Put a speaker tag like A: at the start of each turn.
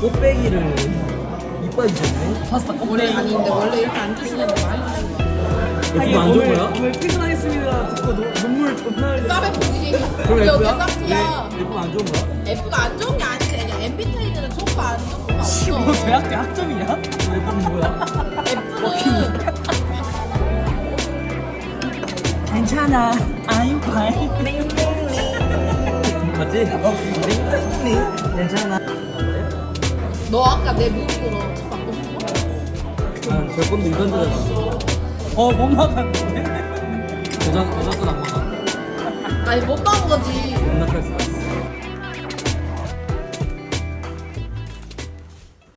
A: 꽃배기를 이빨 주셨네.
B: 봤어.
C: 원래 아닌데 원래 이렇게 안 주시는데 많이 주시는 거야.
A: 예쁘면 안 좋은 거야?
B: 오늘 퇴근하겠습니다 듣고 눈물 존나 흘려.
C: 쌉에 보지.
A: 그럼
C: 여기
A: F야?
C: 쌉이야.
A: 예쁘면 안 좋은 거야?
C: F가 안 좋은 게 아니지. 그냥 MBTI들은 좋은 거안 좋은 거가 없어.
B: 너 대학교 학점이냐?
A: 예쁘면 뭐야?
C: F는
B: 괜찮아. I'm fine.
A: 맞지? 괜찮아.
C: 너 아까 내 무릎으로 쳐 맞고 싶어?
A: 아, 저 건도 이건드잖아.
B: 못 나갔는데?
A: 여자 건안 맞아.
C: 아니 못 본 거지.